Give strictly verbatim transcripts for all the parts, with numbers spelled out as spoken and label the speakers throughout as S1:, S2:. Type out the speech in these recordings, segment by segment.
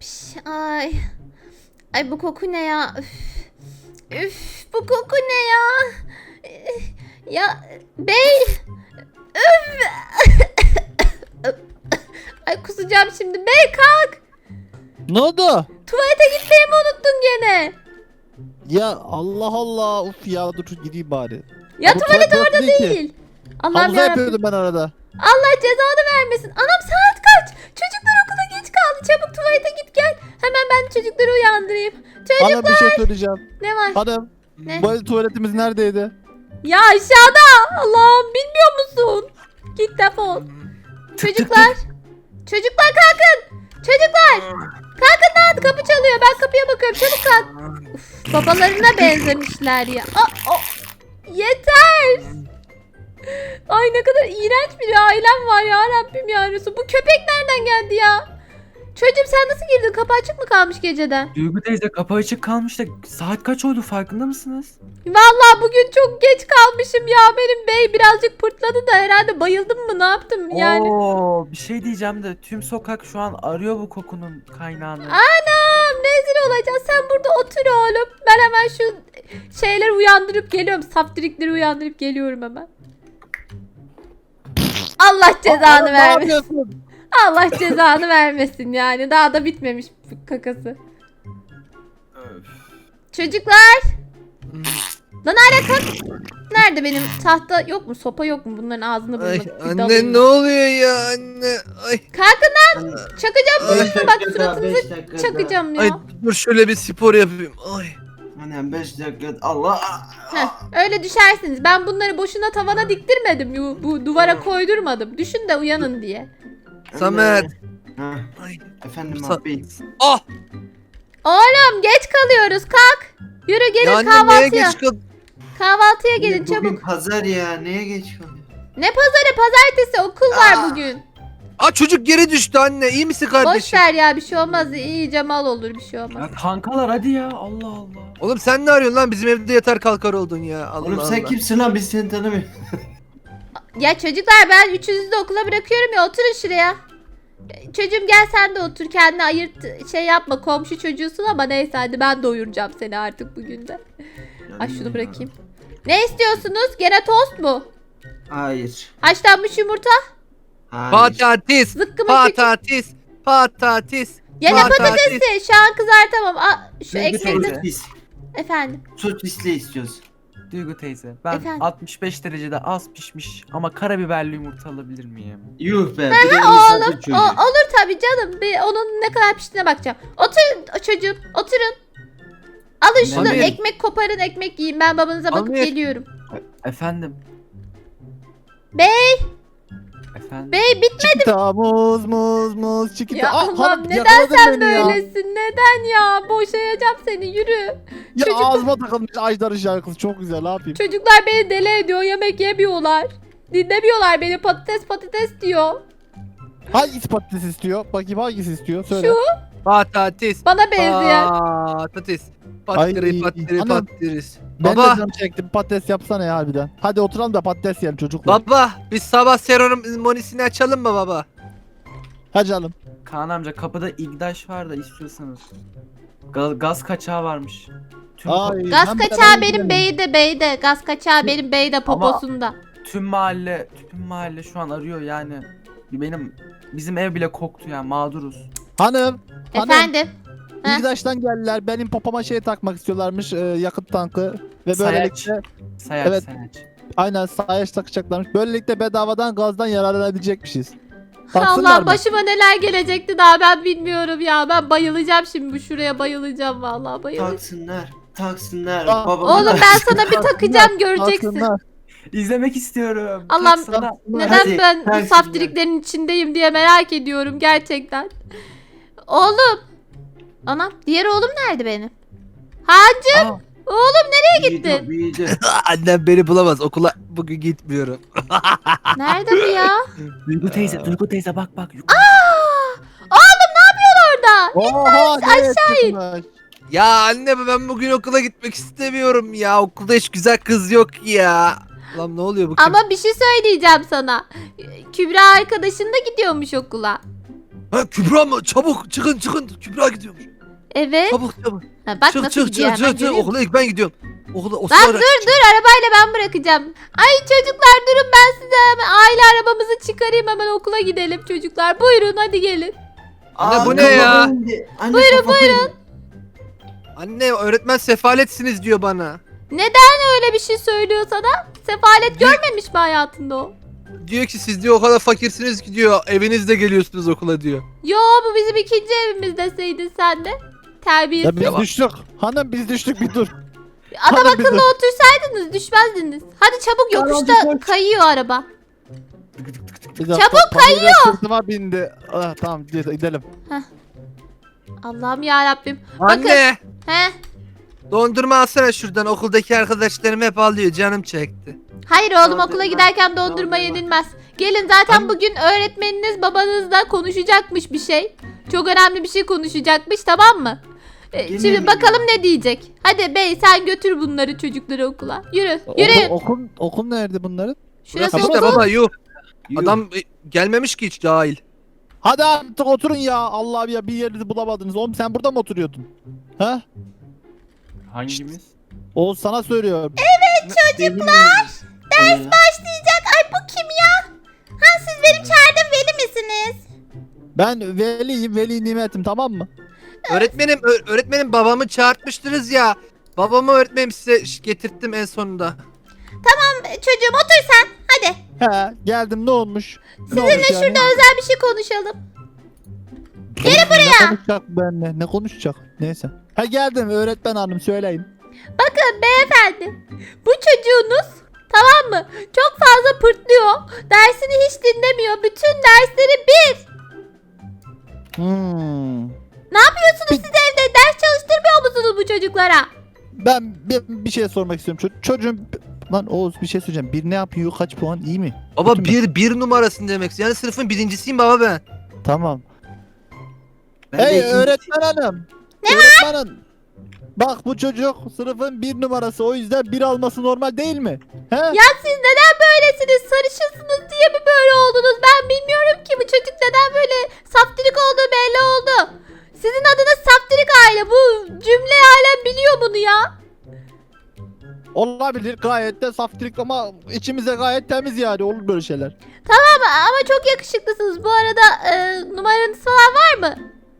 S1: Piş, ay. Ay bu koku ne ya? Üf. Üf, bu koku ne ya? Ya bey. Üf. Ay kusacağım şimdi. Bey kalk.
S2: Ne oldu?
S1: Tuvalete gitmeyi mi unuttun gene?
S2: Ya Allah Allah. Uf ya dur gideyim bari.
S1: Ya
S2: Bu
S1: tuvalet
S2: tuvalet
S1: orada
S2: değil ki.
S1: değil. Allah'ım
S2: Havuza
S1: yarabbim.
S2: yapıyordum ben arada.
S1: Allah cezanı vermesin. Anam saat kaç? Çocuklar okula geç kaldı. Çabuk tuvalete git gel. Hemen ben çocukları uyandırayım.
S2: Hanım
S1: Çocuklar.
S2: bir şey söyleyeceğim.
S1: Ne var?
S2: Hanım.
S1: Ne?
S2: Bu tuvaletimiz neredeydi?
S1: Ya aşağıda. Allah'ım bilmiyor musun? Git defol. Çocuklar. Çocuklar kalkın. Çocuklar. Kalkın lan kapı çalıyor. Ben kapıya bakıyorum. Çabuk kalk. Uf, babalarına benzemişler ya. Aa, o. Yeter. Ay ne kadar iğrenç bir ailem var ya Rabbim ya Resul. Bu köpek nereden geldi ya? Çocuğum sen nasıl girdin? Kapı açık mı kalmış geceden?
S3: Duygu teyze kapı açık kalmış da saat kaç oldu farkında mısınız?
S1: Vallahi bugün çok geç kalmışım ya. Benim bey birazcık pırtladı da herhalde bayıldım mı ne yaptım yani.
S3: Oo, bir şey diyeceğim de tüm sokak şu an arıyor bu kokunun kaynağını.
S1: Anam rezil olacağız. Sen burada otur oğlum. Ben hemen şu şeyleri uyandırıp geliyorum. Saftirikleri uyandırıp geliyorum hemen. Allah cezanı
S2: Aa, ne
S1: vermesin.
S2: yapıyorsun?
S1: Allah cezanı vermesin yani. Daha da bitmemiş bu kakası. Çocuklar. Lan hala kalk. Nerede benim tahta yok mu? Sopa yok mu? Bunların ağzını
S4: Ay
S1: bulmak.
S4: anne ne oluyor ya anne? Ay
S1: Kalkın lan. Çakacağım
S4: Ay.
S1: suratına bak suratınızı çakacağım
S4: ay
S1: ya.
S4: dur şöyle bir spor yapayım. Ay.
S5: Annem beş dakika Allah.
S1: Heh, öyle düşersiniz. Ben bunları boşuna tavana diktirmedim. Bu, bu duvara koydurmadım. Düşün de uyanın diye.
S4: Samet.
S5: Ha,
S4: Ay.
S5: efendim
S4: Sa-
S5: abi.
S4: Ah!
S1: Oğlum geç kalıyoruz kalk. Yürü gelin
S4: Ya anne neye
S1: kahvaltıya.
S4: geç kal?
S1: Kahvaltıya gelin
S5: Bugün
S1: çabuk.
S5: pazar ya neye geç kalıyor?
S1: Ne pazarı pazartesi okul var
S4: Aa.
S1: bugün.
S4: Aa çocuk geri düştü anne. İyi misin
S1: Boş
S4: kardeşim?
S1: ver ya bir şey olmaz. İyice mal olur bir şey olmaz.
S3: Ya kankalar hadi ya Allah Allah.
S4: Oğlum sen ne arıyorsun lan? Bizim evde yatar kalkar oldun ya. Allah
S5: Oğlum
S4: Allah.
S5: sen kimsin lan biz seni tanımıyoruz.
S1: Ya çocuklar ben üçünüzü de okula bırakıyorum ya oturun şuraya. Çocuğum gel sen de otur kendine ayırt şey yapma komşu çocuğusun ama neyse hadi ben doyuracağım seni artık bugün de. Ay şunu bırakayım. Ne istiyorsunuz? Gene tost mu?
S5: Hayır.
S1: Haşlanmış yumurta?
S5: Hayır.
S4: Patates.
S1: Zıkkımı küçük.
S4: Patates. Patates.
S1: Gene
S4: patates.
S1: patatesi. Şu an kızartamam. Aa, şu
S3: Duygu
S1: ekmekli.
S3: teyze.
S5: Sosis.
S1: Efendim.
S5: Sosisli istiyoruz.
S3: Duygu teyze ben
S1: Efendim?
S3: altmış beş derecede az pişmiş ama karabiberli yumurta alabilir miyim?
S5: Yuh be. Bir de
S1: Oğlum
S5: misafir
S1: o,
S5: çocuğu.
S1: olur tabii canım. Bir, onun ne kadar piştiğine bakacağım. Oturun çocuğum oturun. Alın şunu
S4: Amir.
S1: ekmek koparın ekmek yiyin. Ben babanıza bakıp
S4: Amir.
S1: geliyorum.
S3: Efendim?
S1: Bey.
S3: Efendim?
S1: Bey bitmedi.
S2: Çikita muz muz muz çikita.
S1: Ya
S2: Ah,
S1: Allah'ım
S2: hanım,
S1: neden
S2: yakaladın
S1: sen
S2: beni ya.
S1: böylesin? Neden ya? Boşayacağım seni yürü.
S2: Ya
S1: Çocuk-
S2: ağzıma takılmış Ajdar'ın şarkısı çok güzel ne yapayım?
S1: Çocuklar beni deli ediyor. Yemek yemiyorlar. Dinlemiyorlar beni. Patates patates diyor.
S2: Hangisi patates istiyor? Bakayım hangisi istiyor? Söyle.
S1: Şu
S4: Patates.
S1: bana benzeyen.
S4: Patates. Patiri
S2: Ay,
S4: patiri
S2: anam.
S4: patiris.
S2: Ben de
S4: Baba.
S2: canım çektim patates yapsana ya harbiden. Hadi oturalım da patates yiyelim çocuklar.
S4: Baba biz sabah serum monisini açalım mı baba?
S2: Hadi canım.
S3: Kaan amca kapıda İgdaş var da istiyorsanız. Gaz, gaz kaçağı varmış. Tüm,
S2: Ay,
S1: Gaz
S2: hem
S1: kaçağı
S2: beraber
S1: benim
S2: gidelim.
S1: beyde beyde. Gaz kaçağı benim beyde poposunda.
S3: tüm mahalle tüm mahalle şu an arıyor yani. Benim bizim ev bile koktu yani mağduruz.
S2: Hanım. Hanım.
S1: Efendim. Heh.
S2: İgdaş'tan geldiler. Benim popoma şey takmak istiyorlarmış. e, yakıt tankı. Ve
S3: Sayaç.
S2: böylelikle
S3: Sayaç
S2: Evet.
S3: sayaç.
S2: aynen sayaç takacaklarmış. Böylelikle bedavadan gazdan yararlanabilecekmişiz. Taksınlar
S1: Allah
S2: mı?
S1: başıma neler gelecekti daha ben bilmiyorum ya. Ben bayılacağım şimdi bu şuraya bayılacağım vallahi bayılacağım.
S5: Taksınlar. Taksınlar.
S2: Aa,
S5: Babam
S1: Oğlum ben sana bir takacağım göreceksin.
S2: Taksınlar.
S3: İzlemek istiyorum.
S1: Allah'ım,
S3: Taksana.
S1: Neden
S5: Hadi,
S1: ben bu
S5: taksınlar.
S1: saftiriklerin içindeyim diye merak ediyorum gerçekten. Oğlum. Anam diğer oğlum nerede benim? Hacı
S3: Aa,
S1: oğlum nereye gittin?
S5: Büyüdü, büyüdü.
S4: Annem beni bulamaz. Okula bugün gitmiyorum.
S1: Nerede bu ya?
S3: Duygu teyze, Duygu teyze bak bak.
S1: Aa! Oğlum ne yapıyorsun orada?
S2: Oha,
S1: aşağı in.
S2: in.
S4: Ya anne ben bugün okula gitmek istemiyorum ya. Okulda hiç güzel kız yok ya. Lan ne oluyor bu kim?
S1: Ama bir şey söyleyeceğim sana. Kübra arkadaşın da gidiyormuş okula.
S4: Ha Kübra mı? Çabuk çıkın çıkın. Kübra gidiyormuş.
S1: Evet.
S4: Çabuk çabuk.
S1: Ha, bak
S4: çık
S1: nasıl
S4: çık
S1: gidiyor
S4: çık
S1: hemen
S4: çık çık.
S1: görüyor musun?
S4: Okula ilk ben gidiyorum. Okula o
S1: Lan
S4: sonra-
S1: dur dur arabayla ben bırakacağım. Ay çocuklar durun ben size hemen aile arabamızı çıkarayım hemen okula gidelim çocuklar. Buyurun hadi gelin.
S4: Anne, bu
S5: Aa,
S4: ne ya?
S5: kafam indi. Anne, buyurun buyurun.
S4: Anne öğretmen sefaletsiniz diyor bana.
S1: Neden öyle bir şey söylüyor sana? Sefalet görmemiş mi hayatında o?
S4: Diyor ki siz diyor o kadar fakirsiniz ki diyor evinizde geliyorsunuz okula diyor.
S1: Yo bu bizim ikinci evimiz deseydin sen de.
S2: Ya
S1: Terbiyesiz.
S2: biz düştük. Hanım biz düştük bir dur.
S1: Adam
S2: Hadi bize.
S1: akıllı otursaydınız düşmezdiniz. Hadi çabuk
S5: Tamam,
S1: yokuşta
S5: hadi koş.
S1: kayıyor araba.
S2: Bir dakika,
S1: Çabuk
S2: Pamela sırtıma bindi. Ah, tamam gidelim.
S1: Allah'ım ya Rabbim. Bakın.
S4: Anne
S1: He?
S4: dondurma alsana şuradan okuldaki arkadaşlarım hep alıyor canım çekti.
S1: Hayır oğlum
S5: Dondurma,
S1: okula giderken dondurma
S5: dondurma.
S1: yenilmez. Gelin zaten
S4: Anne-
S1: bugün öğretmeniniz babanızla konuşacakmış bir şey. Çok önemli bir şey konuşacakmış tamam mı? Ee,
S5: Gene
S1: şimdi
S5: mi
S1: bakalım
S5: ya?
S1: ne diyecek. Hadi bey sen götür bunları çocukları okula. Yürü yürüyün.
S2: Okul, okul, okul nerede bunların?
S1: Şurası
S4: Burası işte
S1: okul.
S4: baba yuh.
S5: Yuh.
S4: Adam e, gelmemiş ki hiç cahil.
S2: Hadi artık oturun ya. Allah'ım ya bir yerinizi bulamadınız. Oğlum sen burada mı oturuyordun? Ha?
S3: Hangimiz?
S2: Oğuz sana söylüyorum.
S5: Çocuklar.
S1: Ders başlayacak. Ay bu kim ya? Ha siz benim çağırdığım veli misiniz?
S2: Ben veliyim, veli nimetim tamam mı?
S4: Öğretmenim ö- öğretmenim babamı çağırtmıştınız ya. Babamı öğretmenim size ş- getirttim en sonunda.
S1: Çocuğum otur sen. Hadi.
S2: He geldim ne olmuş? Ne
S1: Sizinle
S2: olmuş yani?
S1: şurada özel bir şey konuşalım.
S2: Gel buraya. Ne konuşacak benimle? Ne konuşacak? Neyse. Ha geldim öğretmen hanım söyleyin.
S1: Bakın beyefendi. Bu çocuğunuz tamam mı? Çok fazla pırtlıyor. Dersini hiç dinlemiyor. Bütün dersleri bir.
S2: Hmm.
S1: Ne yapıyorsunuz siz evde? Ders çalıştırmıyor musunuz bu çocuklara?
S2: Ben bir, bir şey sormak istiyorum. Ço- çocuğum lan Oğuz bir şey söyleyeceğim. Bir ne yapıyor? Kaç puan? İyi mi?
S4: Baba
S2: Kötü mü?
S4: bir bir numarasın demek. Yani sınıfın birincisiyim baba ben.
S2: Tamam.
S5: Ben de
S2: Hey
S5: ikinci-
S2: öğretmen hanım. Ne öğretmen hanım. Bak bu çocuk sınıfın bir numarası o yüzden bir alması normal değil mi? He?
S1: Ya siz neden böylesiniz? Sarışınsınız diye mi böyle oldunuz? Ben bilmiyorum ki bu çocuk neden böyle saftirik olduğu belli oldu. Sizin adınız saftirik aile. Bu cümle alem biliyor bunu ya.
S2: Olabilir gayet de saftirik ama içimize gayet temiz yani olur böyle şeyler.
S1: Ama, ama çok yakışıklısınız. Bu arada e, numaranız falan var mı?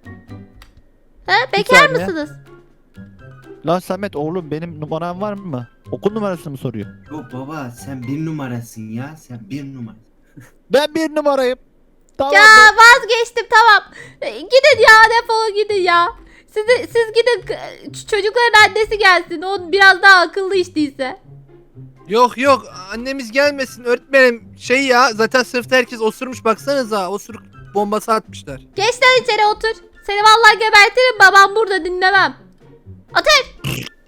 S1: He, bekar
S2: saniye.
S1: mısınız?
S2: Lan Samet oğlum benim numaram var mı? Okul numarasını mı soruyor?
S5: Yok baba sen bir numarasın ya. Sen bir numara.
S2: Ben bir numarayım. Tamam
S1: Ya
S2: mı?
S1: vazgeçtim tamam. E, Gidin ya defolun gidin ya. Siz, siz gidin k- çocukların annesi gelsin. O biraz daha akıllı iş değilse.
S4: Yok yok annemiz gelmesin öğretmenim. Şey ya zaten sınıfta herkes osurmuş baksanıza. Osuruk bombası atmışlar.
S1: Geç lan içeri otur. Seni vallahi gebertirim babam burada dinlemem. Otur.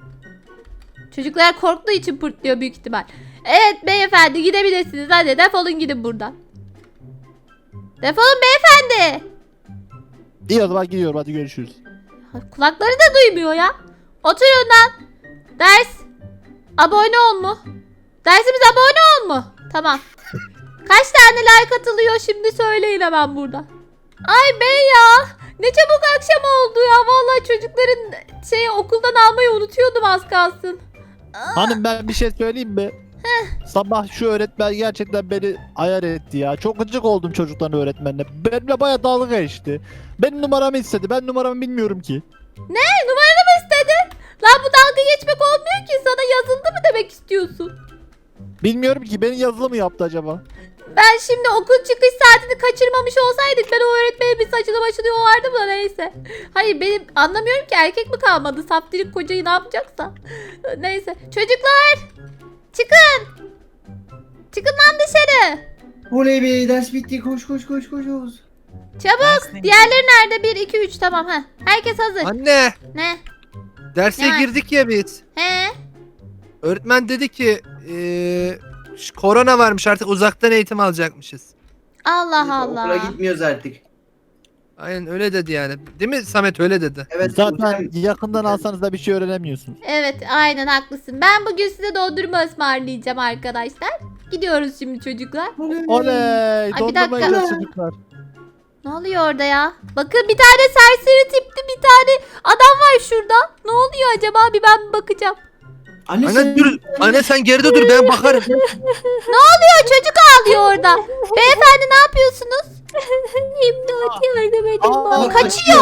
S1: Çocuklar korktuğu için pırtlıyor büyük ihtimal. Evet beyefendi gidebilirsiniz. Hadi defolun gidin buradan. Defolun beyefendi.
S2: İyi o zaman gidiyorum hadi görüşürüz.
S1: Kulakları da duymuyor ya. Oturun lan. Ders. Abone ol mu? Dersimiz abone ol mu? Tamam. Kaç tane like atılıyor şimdi söyleyin hemen burada. Ay bey ya. Ne çabuk akşam oldu ya. Vallahi çocukların şeyi okuldan almayı unutuyordum az kalsın.
S2: Hanım ben bir şey söyleyeyim mi? Sabah şu öğretmen gerçekten beni ayar etti ya. Çok gıcık oldum çocukların öğretmenine. Benimle baya dalga geçti. Benim numaramı istedi. Ben numaramı bilmiyorum ki.
S1: Ne? Numaranı mı istedin? Lan bu dalga geçmek olmuyor ki. Sana yazıldı mı demek istiyorsun?
S2: Bilmiyorum ki beni yazılı mı yaptı acaba?
S1: Ben şimdi okul çıkış saatini kaçırmamış olsaydık ben o öğretmene bir saçını başını yolardım da neyse. Hayır benim anlamıyorum ki erkek mi kalmadı? Saftirik kocayı ne yapacaksa. Neyse. Çocuklar. Çıkın. Çıkın lan dışarı.
S5: Oley be ders bitti. Koş koş koş koş Oğuz.
S1: Çabuk.
S3: Ders neydi?
S1: Diğerleri nerede? bir, iki, üç tamam. ha. Herkes hazır.
S4: Anne
S1: Ne?
S4: derse
S1: Ne var?
S4: girdik ya biz.
S1: He?
S4: Öğretmen dedi ki eee, ş- korona varmış artık uzaktan eğitim alacakmışız.
S1: Allah
S5: Okula
S1: Allah.
S5: gitmiyoruz artık.
S4: Aynen öyle dedi yani. Değil mi Samet öyle dedi.
S5: Evet.
S2: Zaten
S5: sen-
S2: yakından alsanız da bir şey öğrenemiyorsunuz.
S1: Evet aynen haklısın. Ben bugün size dondurma ısmarlayacağım arkadaşlar. Gidiyoruz şimdi çocuklar.
S2: Oley!
S1: bir
S2: Dondurma
S1: dakika.
S2: yiyeceğiz çocuklar.
S1: Ne oluyor orada ya? Bakın bir tane serseri tipli bir tane adam var şurada. Ne oluyor acaba? Bir ben bir bakacağım.
S5: Anne,
S4: Anne
S5: sen...
S4: dur. Anne sen geride dur ben bakarım.
S1: Ne oluyor? Çocuk ağlıyor orada. Beyefendi ne yapıyorsunuz?
S6: İmdat yardım edin
S2: Aa,
S6: bana.
S1: Kaçıyor.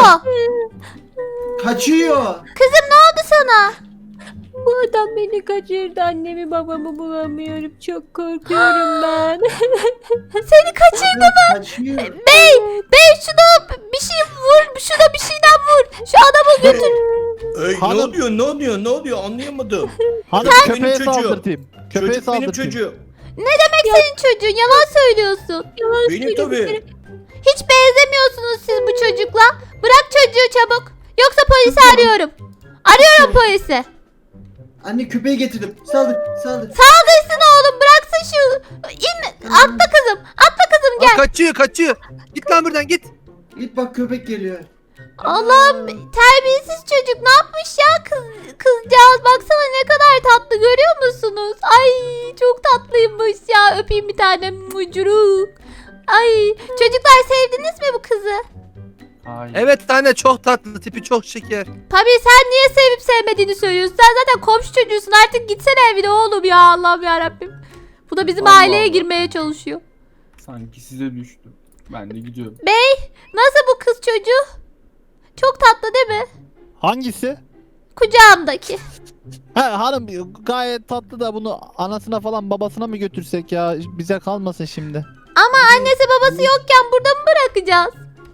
S5: Kaçıyor.
S1: Kızım ne oldu sana?
S6: Bu adam beni kaçırdı. Annemi babamı bulamıyorum. Çok korkuyorum ben.
S1: Seni kaçırdı.
S5: Adam kaçıyor.
S1: Bey, bey şuna bir şey vur. Şuna bir şeyden vur. Şu adamı götür.
S7: Ey, ne
S2: Hanım-
S7: oluyor ne oluyor ne oluyor anlayamadım.
S2: Hanım
S7: Benim
S2: köpeğe
S7: çocuğum.
S2: saldırtayım. Köpeğe
S7: Çocuk benim
S2: saldırtayım.
S7: çocuğum.
S1: Ne demek senin çocuğun? Yalan söylüyorsun.
S6: Yalan
S7: Benim
S6: söylüyorum.
S7: tabii.
S1: Hiç benzemiyorsunuz siz bu çocukla. Bırak çocuğu çabuk. Yoksa polisi arıyorum. Arıyorum polisi.
S5: Anne köpeği getirdim. Saldır saldır.
S1: Saldırsın oğlum. Bıraksın şu. İn. Atla kızım. Atla kızım
S4: Aa,
S1: gel.
S4: kaçıyor kaçıyor. Git lan buradan git.
S5: Git bak köpek geliyor.
S1: Allah'ım terbiyesiz çocuk ne yapmış ya kız, kızcağız baksana ne kadar tatlı görüyor musunuz? Ay çok tatlıymış ya öpeyim bir tane mucuruk. Ay çocuklar sevdiniz mi bu kızı?
S3: Hayır.
S4: Evet anne çok tatlı tipi çok şeker.
S1: Tabii sen niye sevip sevmediğini söylüyorsun sen zaten komşu çocuğusun artık gitsene evine oğlum ya Allah'ım yarabbim. Bu da bizim
S3: Allah
S1: aileye
S3: Allah.
S1: girmeye çalışıyor.
S3: Sanki size düştü. Ben de gidiyorum.
S1: Bey nasıl bu kız çocuğu? Çok tatlı değil mi?
S2: Hangisi?
S1: Kucağımdaki.
S2: He hanım gayet tatlı da bunu anasına falan babasına mı götürsek ya? Bize kalmasın şimdi.
S1: Ama annesi babası yokken burada mı bırakacağız?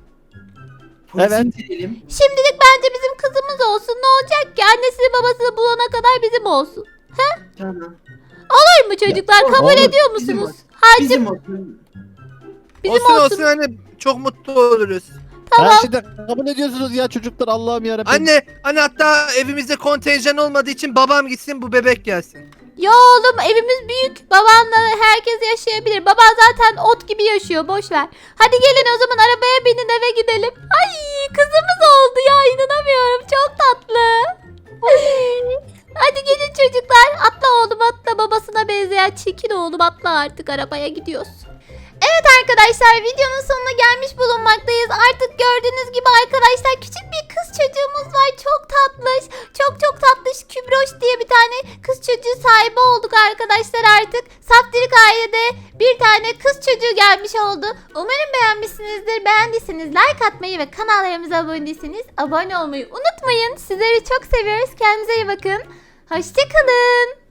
S5: Polisi
S2: Evet.
S5: indirelim.
S1: Şimdilik bence bizim kızımız olsun. Ne olacak ki? Annesini babasını bulana kadar bizim olsun.
S5: Tamam.
S1: Olur mu çocuklar?
S5: Ya,
S1: Kabul
S2: olur.
S1: ediyor
S5: Bizim
S1: musunuz?
S5: olsun.
S1: Hacı
S5: Bizim olsun.
S1: bizim
S4: olsun
S1: olsun.
S4: olsun anne çok mutlu oluruz.
S1: Tamam.
S2: Her şeyde kabul ediyorsunuz ya çocuklar Allah'ım yarabbim.
S4: Anne anne hatta evimizde kontenjan olmadığı için babam gitsin bu bebek gelsin.
S1: Ya oğlum evimiz büyük. Babanla herkes yaşayabilir. Baban zaten ot gibi yaşıyor. Boş ver. Hadi gelin o zaman arabaya binin eve gidelim. Ay kızımız oldu ya inanamıyorum. Çok tatlı. Hadi gelin çocuklar. Atla oğlum atla babasına benzeyen çirkin oğlum atla artık arabaya gidiyoruz. Evet arkadaşlar videonun sonuna gelmiş bulunmaktayız. Artık gördüğünüz gibi arkadaşlar küçük bir kız çocuğumuz var. Çok tatlış. Çok çok tatlış Kübroş diye bir tane kız çocuğu sahibi olduk arkadaşlar artık. Saftirik ailede bir tane kız çocuğu gelmiş oldu. Umarım beğenmişsinizdir. Beğendiyseniz like atmayı ve kanallarımıza abone değilseniz abone olmayı unutmayın. Sizleri çok seviyoruz. Kendinize iyi bakın. Hoşçakalın.